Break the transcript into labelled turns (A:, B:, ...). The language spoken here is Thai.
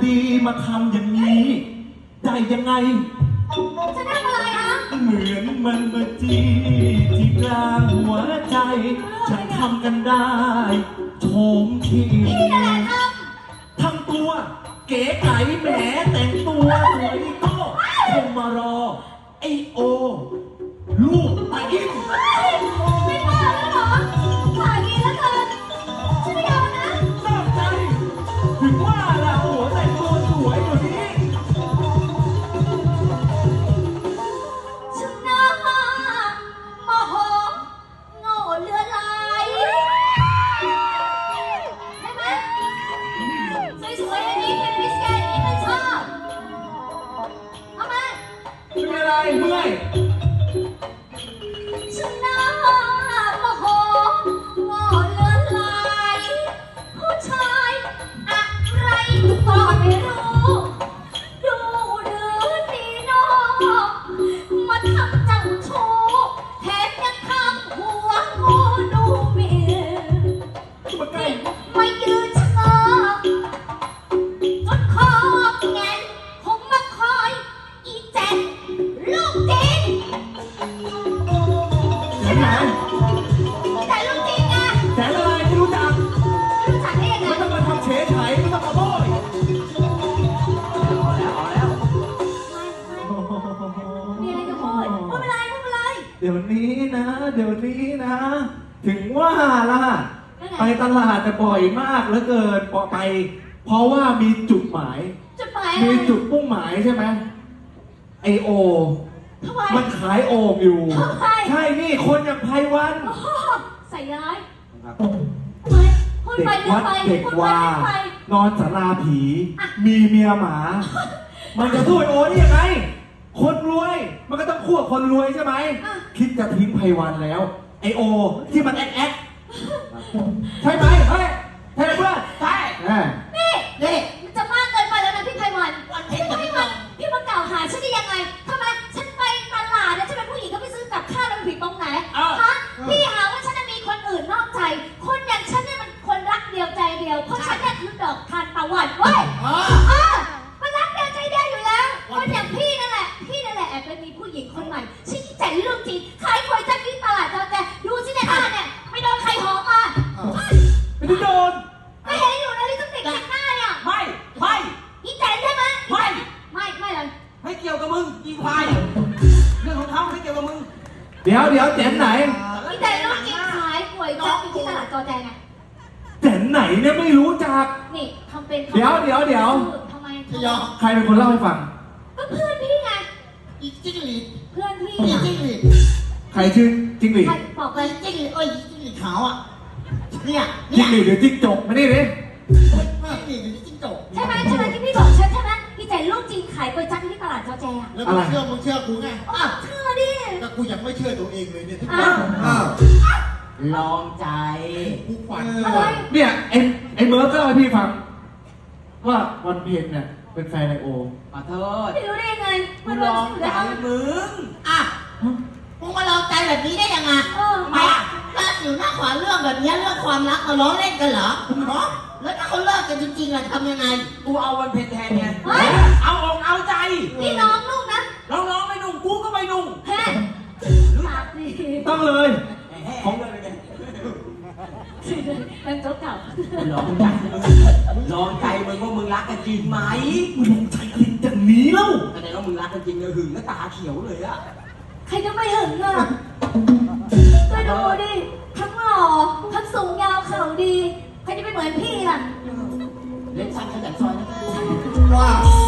A: ดีมาทำอย่างนี้ได้ยังไง
B: จะทำอะไรฮะ
A: เหมือนมันมาจี้ที่กลางหัวใจฉันทำกันได้โฉมที
B: พี่นั่นแหละ
A: ทำตัวเก๋ไก๋แหมแต่งตัวสวยก็คงมารอไอโอลูกตาอิน
B: ไม่บ้าแล้วเหรอฝ่ายนี้แล้วกันฉันไม่ยอมนะ
A: นอกใจถึงว่าล่ะหัวแต่งตัวสวยอยู่นี้
B: ฉันน่าโมโหโง่เลือลายใช่ไหมสวยๆอย่างนี้เป็นพิเศษนี่ไม่ชอบเอามา
A: เป็นอะไรเมื่อย
B: ฉันน่าโมโหโง่เลือลายผู้ชายอะไรก็ไม่รู้ดูหรือดีนอกมาทำเจ้าชู้แถมยังทำหัวงูดูเมียไม่ยืนชะงอจนคอแงนคงมาคอยอีแจ็คลูกจริง
A: แสนไหน
B: แต่ลูกจริงไง
A: แสนอะไรไม่รู้จัก
B: รู้จักได้ยังไง
A: ไม่ต้องมาทำเฉยไฉไม่ต้องมาโบย
B: มีอะไรจะพูดพูดอะไร
A: เดี๋ยวนี้นะถึงว่าล่ะไปตลาดแต่บ่อยมากเหลือเกินไปเพราะว่ามีจุดหมายมีจุดมุ่งหมายใช่ไหมไอโอมันขายโอ่งอยู่ใช่นี่คนอย่างไพวัน
B: ใส่ร้าย
A: เด็กวัดเด็กวานอนศาลาผีมีเมียหมามันจะสู้ไอโอได้ยังไงคนรวยมันก็ต้องคู่กับคนรวยใช่ไหมคิดจะทิ้งไพวันแล้วไอโอที่มันแอ๊กใช่ไหมเฮ้ยใช่ไหมเพื่อนใช่
B: นี่มันจะมากเกินไปแล้วนะพี่ไพวันพี่มากล่าวหาฉันได้ยังไงทำไมฉันไปตลาดแล้วฉันเป็นผู้หญิงก็ไปซื้อกับข้าวแล้วผิดตรงไหนฮะพี่หาว่าฉันจะมีคนอื่นนอกใจคนอย่างฉันเนี่ยมันคนรักเดียวใจเดียวเพราะฉันเนี่ยคือดอกทานตะวันเว้ยมันรักเดียวใจเดียวอยู่แล้วคนอย่างพี่นั่นแหละแอบไปมีผู้หญิงคนใหม่ชี้ใจเรื่องจริงขายควยจักที่ตลาดจอแจดูสิเนี่ยเนี่ยไม่โดนใครหอมมา
A: ไม่ได้โดน
B: ไม่เห็นอยู่นะลิปสติกติดหน้าเนี่ย
C: ไม่
B: อีแจนใช่ไหมไม่เลย
C: ไม่เกี่ยวกับมึงอีควายเรื่องของเขาไม่เกี่ยวกับมึง
A: เดี๋ยวแจนไหน
B: อีแจนเรื่องจริงขายควยจักที่ตลาดจอแจไง
A: แจนไหนเนี่ยไม่รู้จัก
B: นี่ทำเป็น
A: เดี๋ยว
B: ทำไม
A: ใครเป็นคนเล่าให้ฟัง
B: ก็เพื่อนพี่ไง
C: อีจิ้งหรีด
B: เพื่อนพี่
C: อีจิ้งหรีด
A: ใครชื่อจิ้งหรีด
B: บอกไป
C: จิ้งหรีดจิ้งหรีดขาวอ่ะ
A: เนี่ยจิ้งหรีดหรือจิ้งจกมาดิ
C: จิ้งหรีดหรือจิ้งจก
B: ใช่ไหมที่พี่บอกฉันใช่ไหมพี่ใจลูกจริงขายก๋วยจั๊บที่ตลาดจอแจ
C: แล้วมึงเชื่อกูไง
B: เชื่อดิ
C: แต่กูยังไม่เชื่อตัวเองเลยเนี่ย
D: ลองใจ
C: กูฝัน
A: เนี่ยไอ้เมิร์กก็เล่าให้พี่ฟังว่าวันเพ็ญเนี่ยเป็นแฟนไอโอ
D: ขอโทษ
B: ไม่รู้ได้ยังไง
D: มึงลองใจมึง
C: มึงมาลองใจแบบนี้ได้ยังไงไม่ถ้าอยู่หน้าขวาเรื่องแบบนี้เรื่องความรักมาล้อเล่นกันเหรอแล้วถ้าเขาเลิกกันจริงๆล่ะทำยังไง
D: กูเอาวันเพ็ญแทนไงเอาอกเอาใจ
B: พี่น้องลูกนะ
D: น้องไม่นุ่งกูก็ไม่นุ่ง
A: ต้องเลย
D: ของเลย
B: เป็นโจ๊กเก่า
D: ลองใจมึงว่ามึงรักกันจริงไหม
A: มึงลองใจอะไรอย่างนี้เล่า
D: แต่ว่ามึงรักกันจริงเลยหึงแล้วตาเขียวเลยอะ
B: ใครจะไม่หึงอ่ะไปดูดิทั้งหล่อทั้งสูงยาวเข่าดีใครจะไม่เหมือนพี่ล่ะ
D: เล่นสั้นขยันซอยนะ
C: ว้าว